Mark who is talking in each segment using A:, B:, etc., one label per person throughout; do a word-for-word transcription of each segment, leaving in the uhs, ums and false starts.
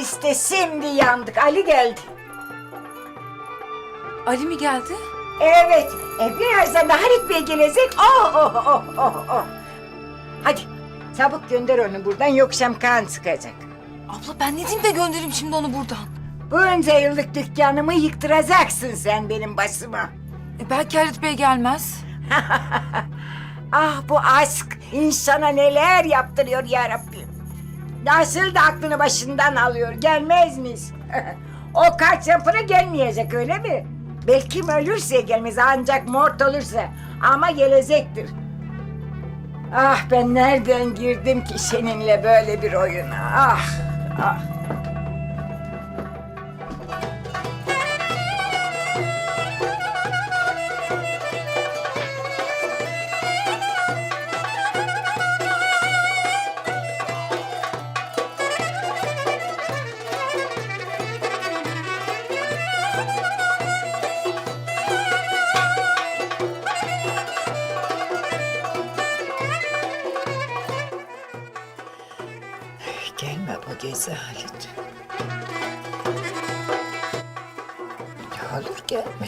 A: İşte şimdi yandık. Ali geldi.
B: Ali mi geldi?
A: Evet. E, birazdan da Halit Bey gelecek. Oh oh oh oh oh. Hadi çabuk gönder onu buradan yoksa kan sıkacak.
B: Abla ben ne diyeyim de göndereyim şimdi onu buradan.
A: Bunca yıllık dükkanımı yıktıracaksın sen benim başıma.
B: E, belki Halit Bey gelmez.
A: Ah bu aşk insana neler yaptırıyor ya Rabbim. Nasıl da aklını başından alıyor, gelmez miyiz? O kaç yapına gelmeyecek öyle mi? Belki ölürse gelmez ancak mort olursa ama gelecektir. Ah ben nereden girdim ki seninle böyle bir oyuna? Ah ah. Gelme bu gezi Halit. Ne olur gelme.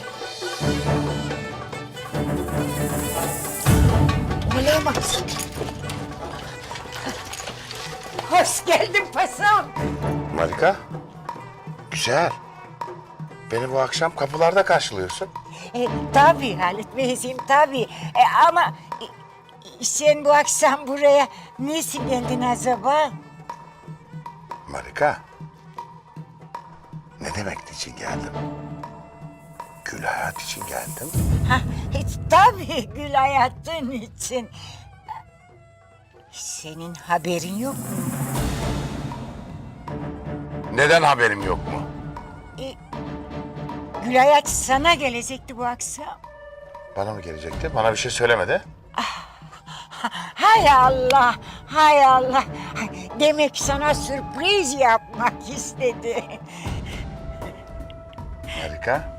A: Olamaz. Hoş geldin paşam.
C: Marika, güzel. Beni bu akşam kapılarda karşılıyorsun.
A: E, tabii Halit Beyciğim tabii. E, ama e, sen bu akşam buraya nasıl geldin acaba?
C: Marika, ne demek için geldim? Gül hayat için geldim.
A: Ha, e, tabii Gül hayatın için. Senin haberin yok mu?
C: Neden haberim yok mu?
A: E, Gül hayat sana gelecekti bu akşam.
C: Bana mı gelecekti? Bana bir şey söylemedi.
A: Hay Allah, hay Allah. Demek sana sürpriz yapmak istedi.
C: Marika,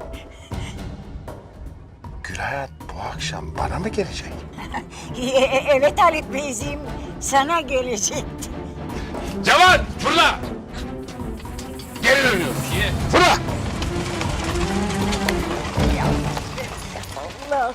C: Gül hayat bu akşam bana mı gelecek?
A: E, evet Halit Beyciğim, sana gelecekti.
C: Cevat, fırla! Geri dönüyoruz. Fırla!
A: Allah'ım.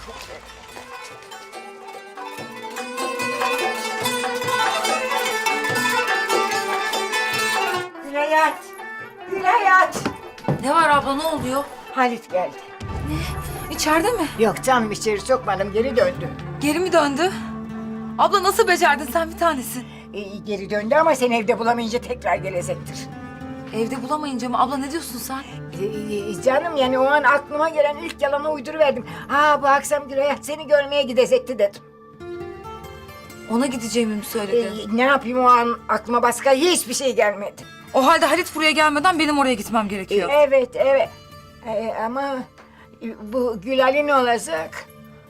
A: Gül hayat, Gül hayat.
B: Ne var abla ne oluyor?
A: Halit geldi.
B: İçeride mi?
A: Yok canım içeri sokmadım, geri döndü.
B: Geri mi döndü? Abla nasıl becerdin sen bir tanesin?
A: E, geri döndü ama seni evde bulamayınca tekrar gelecektir.
B: Evde bulamayınca mı? Abla ne diyorsun sen?
A: Ee, canım yani o an aklıma gelen ilk yalanı uyduruverdim. Ha bu akşam Gülayat seni görmeye gidecekti dedim.
B: Ona gideceğimi mi söyledi?
A: Ee, ne yapayım o an aklıma başka hiçbir şey gelmedi.
B: O halde Halit buraya gelmeden benim oraya gitmem gerekiyor.
A: Evet evet Ee, ama bu Gülal'in ne olacak?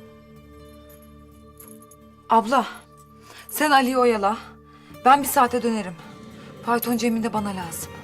B: Abla sen Ali'yi oyala. Ben bir saate dönerim. Fayton Cemil de bana lazım.